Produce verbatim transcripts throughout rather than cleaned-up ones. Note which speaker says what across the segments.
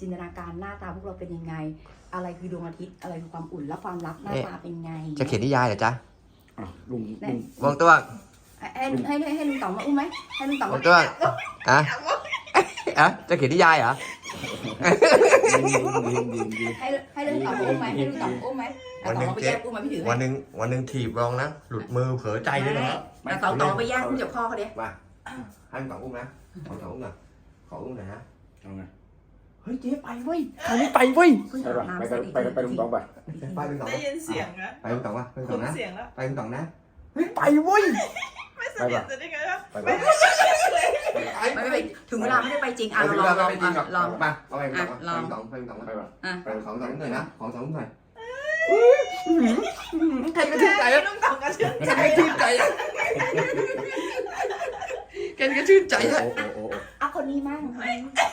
Speaker 1: จินตนาการหน้าตาพวกเราเป็นยังไงอะไรคือดวงอาทิตย์อะไรคือความอุ่นและความลับหน้าตาเป็นไง
Speaker 2: จะเขียนนิยายเหรอจ๊ะ
Speaker 3: ลุงลุง
Speaker 2: วงตัว
Speaker 1: ให้ให้ให้ให้ลุงต๋องมาอุ้มไหมให้ลุงต๋อง
Speaker 2: วงตัวอ่ะอ่ะจะเขียนนิยายเหรอ
Speaker 1: ให้ให้ลุงต๋องอุ้มไหมให้ลุงต๋องอุ้มไหมวันนึงเจ๊อุ้มไหมพี่ถือ
Speaker 2: วันนึงวันนึงถีบรองนะหลุดมือเผลอใจด้วยนะ
Speaker 1: แต่ต๋องต๋องไปแย่งอุ้มจากพ่อเขาดิ
Speaker 2: มาให้ลุงต๋องอุ้มนะขอต๋องอุ้มหน่อยขออุ้มหน่อยนะ
Speaker 3: เอาไง
Speaker 1: เฮ้ยเจ๊ไปเว้ย
Speaker 2: เขาไม่ไปเว้ย
Speaker 3: ไปไปไปไปลุงต๋องไป
Speaker 2: ไปลุงต๋อง
Speaker 4: ได้ยินเสียงนะ
Speaker 2: ไปลุงต๋องวะไปลุงต๋องนะ
Speaker 4: เสียงแล้ว
Speaker 2: ไปลุงต๋องนะเฮ้ยไปเว้ย
Speaker 4: ไม่สนิทจะได้ไงล่ะ
Speaker 3: ไปไป
Speaker 1: ไม่ไปถึงเวลาไม่ได้ไปจริงอ่ะเราลองลองลอง
Speaker 2: มาเอาไปลองลองไปลองไปลองไปของสองหน่อยนะของสองหน่อยใครกระชื่นใจอ่ะ
Speaker 4: ลุงต๋องกระชื่นใจ
Speaker 2: ใครกระชื่นใจอ่ะแกกระชื่นใจอ่ะ
Speaker 1: อ่ะคนนี้มั่งแม่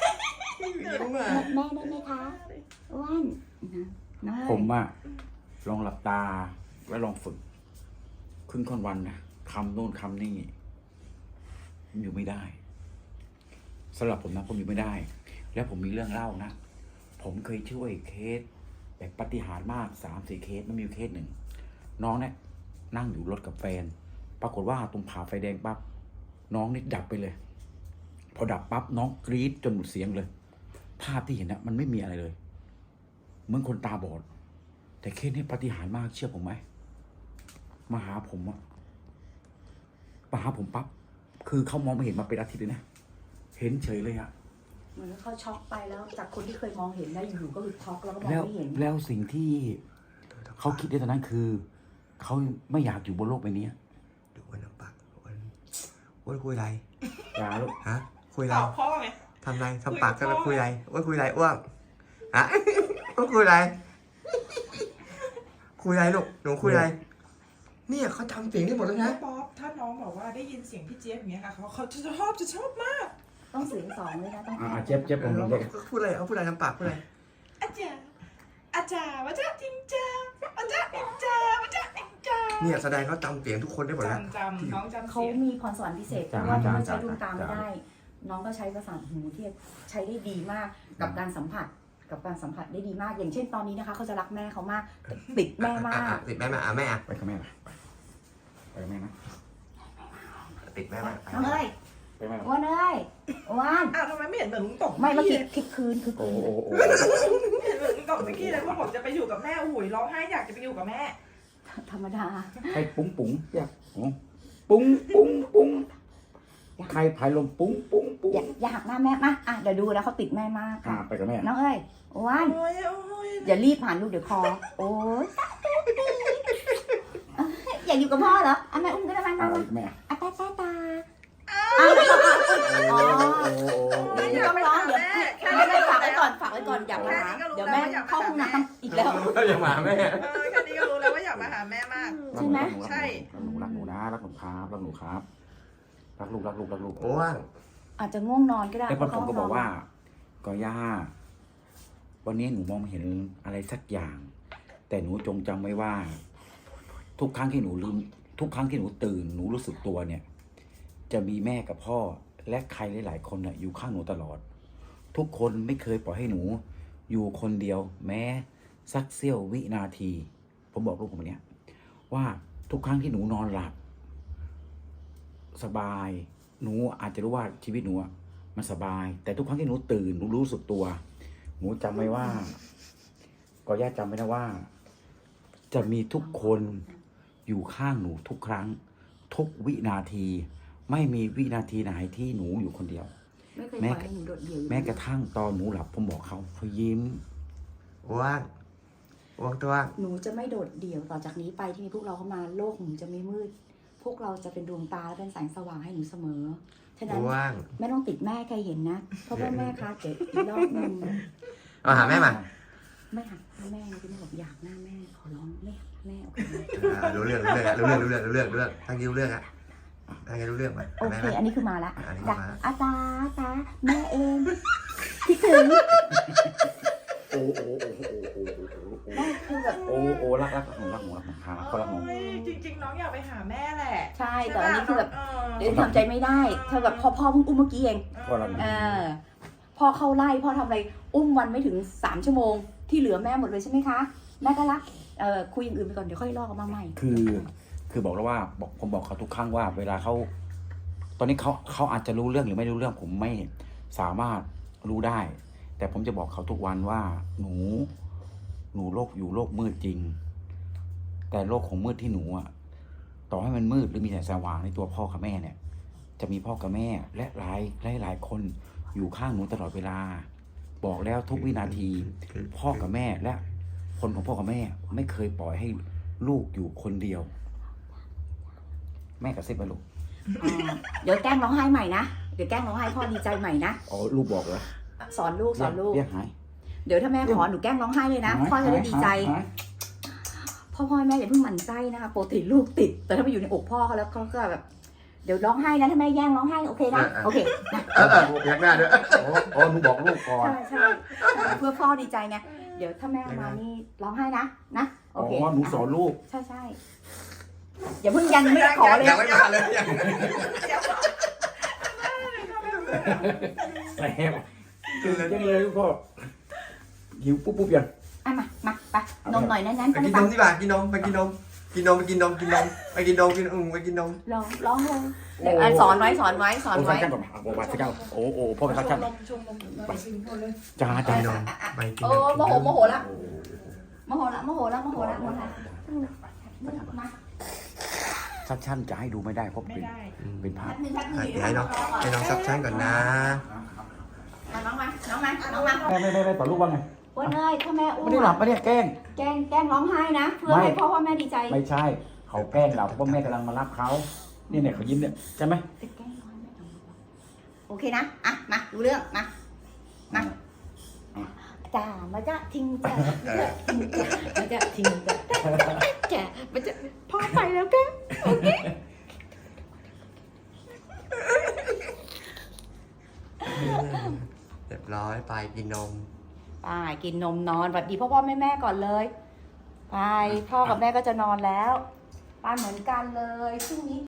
Speaker 1: ได้ไหมคะอ้วนนะ
Speaker 3: ผมอะลองหลับตาแล้วลองฝึกครึ่งค่อนวันนะคำโน่นคำนี่อยู่ไม่ได้สำหรับผมนะผมอยู่ไม่ได้ แล้วผมมีเรื่องเล่านะผมเคยช่วยเคสแบบปาฏิหาริย์มากสามสี่เคสไม่มีเคสหนึ่งน้องเนี่ยนั่งอยู่รถกับแฟนปรากฏว่าตรงผ่าไฟแดงปั๊บน้องนี่ดับไปเลยพอดับปั๊บน้องกรี๊ดจนหมดเสียงเลยภาพที่เห็นนะมันไม่มีอะไรเลยเหมือนคนตาบอดแต่เคสนี้ปาฏิหาริย์มากเชื่อผมไหมมาหาผมอะมาหาผมปั๊บคือเขามองไม่เห็นมาเป็นอาทิตย์เลยนะเห็นเฉยเลยอะ
Speaker 1: เหมือนเขาช็อกไปแล้วจากคนที่เคยมองเห็นได้อยู่ก็คือช็อกแล้วก็มอง
Speaker 3: แล้ว
Speaker 1: ไม่เห็น
Speaker 3: แล้วสิ่งที่เขาคิดในตอนนั้นคือเขาไม่อยากอยู่บนโลกใบนี้
Speaker 2: ดูวันน้ำปากวันวันคุยอะไร
Speaker 3: อย่าลูก
Speaker 2: ฮะคุยอะไร
Speaker 4: พ่อไง
Speaker 2: ทำไรทำปากกันแล้วคุยอะไรว่าคุยอะไรอ้วกฮะว่าคุยอะไรคุยอะไรลูกหนูคุยอะไรเนี่ยเขาทำเสียงได้หมดแล้วนะ
Speaker 4: ป๊อปถ้าน้องบอกว่าได้ยินเสียงพี่เจี๊ยบอย่างเงี้ยค่ะเขาเขาจะชอบจะชอบมาก
Speaker 1: ต้องเสียงสองเลยนะต้อง
Speaker 3: อ่าเจ็บเจ็บผมเลย
Speaker 2: พูดอะไรเอาพูดอะไรทำปากพูดอะไร
Speaker 4: อาจารย์อาจารย์ว่าจะจริงจ้าอาจารย์จริงจ้าว่าจะจริงจ้า
Speaker 2: เนี่ยแสดงเขาจำเสียงทุกคนได้หมดแล้ว
Speaker 4: จำจำน้องจำ
Speaker 1: เขามีพรสวรรค์พิเศษเพราะว่าน้องใช้ดวงตาไม่ได้น้องก็ใช้ประสาทหูที่ใช้ได้ดีมากกับการสัมผัสกับการสัมผัสได้ดีมากอย่างเช่นตอนนี้นะคะเขาจะรักแม่เขามากติดแม่มาก
Speaker 2: ติดแม่มาอ่ะแม่อ่ะ
Speaker 3: ไปกับแม่ไปไปกับแม่นะ
Speaker 2: ติดแม่มา
Speaker 1: น้องเอ้ยอ้วนเอ้ยอ้วน
Speaker 4: อ้าวทำไมไม่เห็นเหมือนลุงต๋อง
Speaker 1: ไม่เมื่อกี้คลิปคืนคือ
Speaker 3: โอ้โอ้โอ้
Speaker 4: เห็นเหมือนลุงต๋องเมื่อกี้เลยว่าผมจะไปอยู่กับแม่อุ้ยร้องไห้อยากจะไปอยู่กับแม่
Speaker 1: ธรรมดา
Speaker 3: ใครปุ้งปุ้งอยากปุ้งปุ้งปุ้งใครพายลมปุ้งปุ้งปุ้ง
Speaker 1: อย่าหักหน้าแม่มาอ่ะเดี๋ยวดูแล้วเขาติดแม่มาก
Speaker 3: อ่าไปกับแม่
Speaker 1: น้องเอ้ยอ้วนอย่ารีบผ่านลูกเดี๋ยวคอโอ้ยอยากอยู่กับพ่อเหรออ่ะแม่อุ้มก็ได้มา
Speaker 3: แม่
Speaker 1: อ่ะตาตาตาอ๋อไม่ต้องร้องเดี๋ยวไม่ไม่ฝากไว้ก่อนฝากไว้ก่อนอย่ามาหาเดี๋ยวแม่เข้าห้องน้ำอีกแล้ว
Speaker 2: อย่ามาแม่
Speaker 4: แค่นี้ก็รู้แล้วว่าอยากมาหาแม่มาก
Speaker 1: ใช่ไหม
Speaker 4: ใช่
Speaker 3: รักหนูรักหนูนะรักหนูครับรักหนูครับรักลูกรักลูกรักลูก
Speaker 2: โอ้ว่าง
Speaker 1: อาจจะง่วงนอนก็ได้
Speaker 3: แล้วผมก็บอกว่าก็ย่าวันนี้หนูมองเห็นอะไรสักอย่างแต่หนูจงจำไว้ว่าทุกครั้งที่หนูลืมทุกครั้งที่หนูตื่นหนูรู้สึกตัวเนี่ยจะมีแม่กับพ่อและใครหลายๆคนน่ะอยู่ข้างหนูตลอดทุกคนไม่เคยปล่อยให้หนูอยู่คนเดียวแม้สักเสี้ยววินาทีผมบอกลูกผมเนี้ยว่าทุกครั้งที่หนูนอนหลับสบายหนูอาจจะรู้ว่าชีวิตหนูมันสบายแต่ทุกครั้งที่หนูตื่นหนูรู้สึกตัวหนูจำไว้ว่าก็ย่าจำไว้นะว่าจะมีทุกคนอยู่ข้างหนูทุกครั้งทุกวินาทีไม่มีวินาทีไหนที่หนูอยู่คนเดียว
Speaker 1: แม้
Speaker 3: แม้กระทั่งตอนหนูหลับผมบอกเขาเขายิ้ม
Speaker 2: ว่างว่างตัว
Speaker 1: หนูจะไม่โดดเดี่ยวต่อจากนี้ไปที่มีพวกเราเข้ามาโลกหนูจะไม่มืดพวกเราจะเป็นดวงตาและเป็นแสงสว่างให้หนูเสมอฉะนั้นไม่ต้องติดแม่ใครเห็นนะเพราะว่าแม่คะเดี๋ยวอีกรอบนึง
Speaker 2: เอาหาแม่มา
Speaker 1: ไม่หักแม่คุณแม่บอกอยากหน้าแม่ขอร้องไม่หักแม่โอเค
Speaker 2: รู้เรื่องรู้เรื่องรู้เรื่องรู้เรื่องรู้เรื่องรู้เรื่องทั้งยิ้วเรื่องอะทั้งยิ้วเรื่องไป
Speaker 1: โอเคอันนี้คือมาละจ้ะอาตาตาแม่เองคิดถึง
Speaker 3: โอ้โอ้โอ้โอ้โอ้โอ้คือแบบโอ้โอ้รักรักหนูรักหนูรักหนูรักก็รักหนู
Speaker 4: จริงๆน้องอยากไปหาแม่แหละ
Speaker 1: ใช่แต่อันนี้คือแบบเดี๋ยวทำใจไม่ได้เธอแบบพ่อพ่อเพิ่งอุ้มเมื่อกี้เองเออพพ่อเข้าไล่พ่อทำอะไรอุ้มวันไม่ถึงสามชั่วโมงที่เหลือแม่หมดเลยใช่ไหมคะแม่ก็รักเอ่อคุยอย่างอื่นไปก่อนเดี๋ยวค่อยลอกออกมาใหม่
Speaker 3: คือ คือบอกแล้วว่าบอกผมบอกเขาทุกครั้งว่า เวลาเขาตอนนี้เขาเขาอาจจะรู้เรื่องหรือไม่รู้เรื่องผมไม่สามารถรู้ได้ แต่ผมจะบอกเขาทุกวันว่า หนู หนูโลกอยู่โลกมืดจริง แต่โลกของมืดที่หนูอะต่อให้มันมืดหรือมีแสงสว่างในตัวพ่อกับแม่เนี่ย จะมีพ่อกับแม่และหลายหลายหลายคนอยู่ข้างหนูตลอดเวลา บอกแล้วทุกวินาที พ่อกับแม่และคนของพ่อกับแม่ ไม่เคยปล่อยให้ลูกอยู่คนเดียว แม่กระซิบไปลูก
Speaker 1: อ่าเดี๋ยวแกล้งร้องไห้ใหม่นะเดี๋ยวแกล้งร้องไห้พ่อดีใจใหม่นะ
Speaker 3: อ๋อลูกบอกเหรอ
Speaker 1: สอนลูกสอนลูก
Speaker 3: เรียกหาย
Speaker 1: เดี๋ยวถ้าแม่ขอหนูแกล้งร้องไห้เลยนะพ่อจะได้ดีใจ
Speaker 3: หาย
Speaker 1: พ่อพ่อแม่อย่าเพิ่งหมั่นไส้นะคะปกติลูกติด แต่ถ้าไปอยู่ในอกพ่อเขาแล้วเขาก็แบบเดี๋ยวร้องไห้นะถ้าแม่แย่งร้องไห้โอเคนะโอเคนะ
Speaker 2: เออเอออยากหน้าด้วย
Speaker 3: อ๋ออ๋อหนูบอกลูกก่อน
Speaker 1: ใช่ใช่เพื่อพ่อดีใจไงเดี๋ยวถ้าแม่มานี่ร้องไห้นะนะโอ
Speaker 3: อ๋อ
Speaker 1: เค
Speaker 3: หนูสอนลูก
Speaker 1: ใช่ใช่อย่าเพิ่งยันไม่ได้ขอเลย
Speaker 2: อยากไม่มาเลยอยาก
Speaker 3: แซ่บตื่นจังเลยลูกพ่อหิวปุ๊บปุ๊บยัง
Speaker 1: อ่ะมามาไปนมหน่อยนั้นๆ
Speaker 2: ไป
Speaker 1: ไป
Speaker 2: กิน
Speaker 1: ไป
Speaker 2: นมดีกว่ากินนมไปกินนมกินนมไปกินนมกินนมไปกินนมกินอืมไปกินนม
Speaker 1: ร้องร้องเลยเดี๋ยวอ่ะสอนไว้สอนไว้สอน
Speaker 3: โอ้สั
Speaker 1: ไว้
Speaker 3: กชั่นก่อนโอ้สักชั่นโอ้โอ้พ่อไปสักชั่น
Speaker 4: ชมนมชมนมไปกินคนเลย
Speaker 3: จ้าจ้า
Speaker 2: กินนมไปกิน
Speaker 1: โอ้
Speaker 2: นม
Speaker 1: โมโหโมโหละโมโหละโมโหละโมโหละโมโหละมา
Speaker 3: สักชั่นจะให้ดูไม่ได้เพราะ
Speaker 4: ไม่
Speaker 3: เป็น
Speaker 4: ได้
Speaker 3: เป็นพระ
Speaker 1: แป๊บนึงแป๊บนึง
Speaker 2: เดี๋ยวให้น้องให้น้องซับชั้นก่อนนะ
Speaker 1: อ่ะน้องมาน้องมาน้องมา
Speaker 3: แม่ไม่ไม่ไม่ต่อลูกว่าไง
Speaker 1: อ้วนเอ้ยถ้าแม่อ้ว
Speaker 3: ไม่
Speaker 1: น
Speaker 3: ได้หลับไม่ได้แกล้ง
Speaker 1: แกล้งแกล้งร้องไห้นะเพื่อให้พ่อพ่อแม่ดีใจ
Speaker 3: ไม่ใช่ เขาแกล้งเราเพราะแม่กำลังมารับเขานี่เนี่ยเขายิ้มเนี่ยใช่ไหม
Speaker 1: จะแกล้งร้องไห้โอเคนะอ่ะมาดูเรื่องมามาจ้ามาจ้าทิ้งจ้ามาจ้าทิ้งจ้าจ้ามาจ้าพ่อไปแล้วแกโอเค
Speaker 2: เรียบร้อยไปกินนม
Speaker 1: ไปกินนมนอนแบบดีพ่อพ่อแม่แม่ก่อนเลยไปพ่อกับแม่ก็จะนอนแล้วไปเหมือนกันเลยพรุ่งนี้